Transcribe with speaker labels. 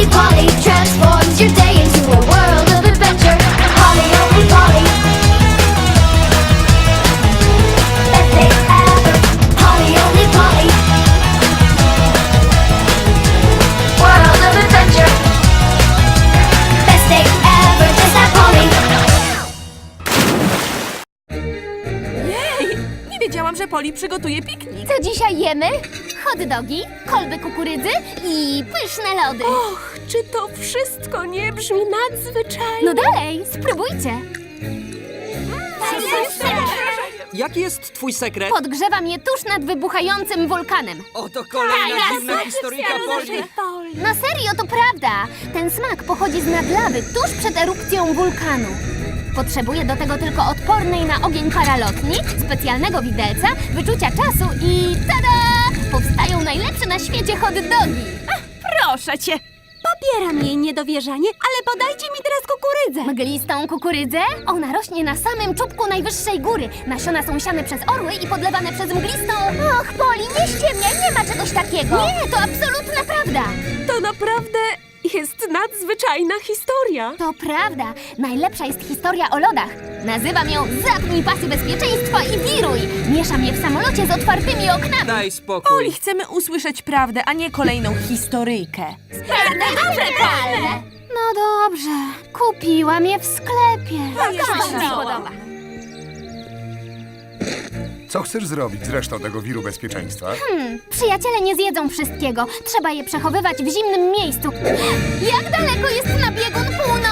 Speaker 1: Only Polly transforms your day into a world of adventure. Polly, only Polly. Best day ever. Polly, only Polly. World of adventure. Best day ever. Just that Polly.
Speaker 2: Jej! Nie wiedziałam, że Poli przygotuje piknik.
Speaker 3: Co dzisiaj jemy? Hot dogi, kolby kukurydzy i pyszne lody.
Speaker 2: Och, czy to wszystko nie brzmi nadzwyczajnie?
Speaker 3: No dalej, spróbujcie.
Speaker 4: Jaki jest twój sekret?
Speaker 3: Podgrzewam je tuż nad wybuchającym wulkanem.
Speaker 4: Oto kolejna dziwna historyjka Poli.
Speaker 3: Na serio, to prawda. Ten smak pochodzi z nad lawy tuż przed erupcją wulkanu. Potrzebuję do tego tylko odpornej na ogień paralotni, specjalnego widelca, wyczucia czasu i tada! Powstają najlepsze na świecie hot dogi.
Speaker 2: Proszę cię! Popieram jej niedowierzanie, ale podajcie mi teraz kukurydzę.
Speaker 3: Mglistą kukurydzę? Ona rośnie na samym czubku najwyższej góry. Nasiona są siane przez orły i podlewane przez mglistą... Och, Poli, nie ściemniaj, nie ma czegoś takiego. Nie, to absolutna prawda.
Speaker 2: To naprawdę jest nadzwyczajna historia.
Speaker 3: To prawda. Najlepsza jest historia o lodach. Nazywam ją Zapnij pasy bezpieczeństwa i wiruj. Mieszam je w samolocie z otwartymi oknami.
Speaker 4: Daj spokój.
Speaker 2: Poli, chcemy usłyszeć prawdę, a nie kolejną historyjkę.
Speaker 3: Prawda, dobrze, prawda. No dobrze. Kupiłam je w sklepie.
Speaker 2: mi się podoba.
Speaker 5: Co chcesz zrobić z resztą tego wiru bezpieczeństwa?
Speaker 3: Przyjaciele nie zjedzą wszystkiego. Trzeba je przechowywać w zimnym miejscu. Jak daleko jest na biegun północ?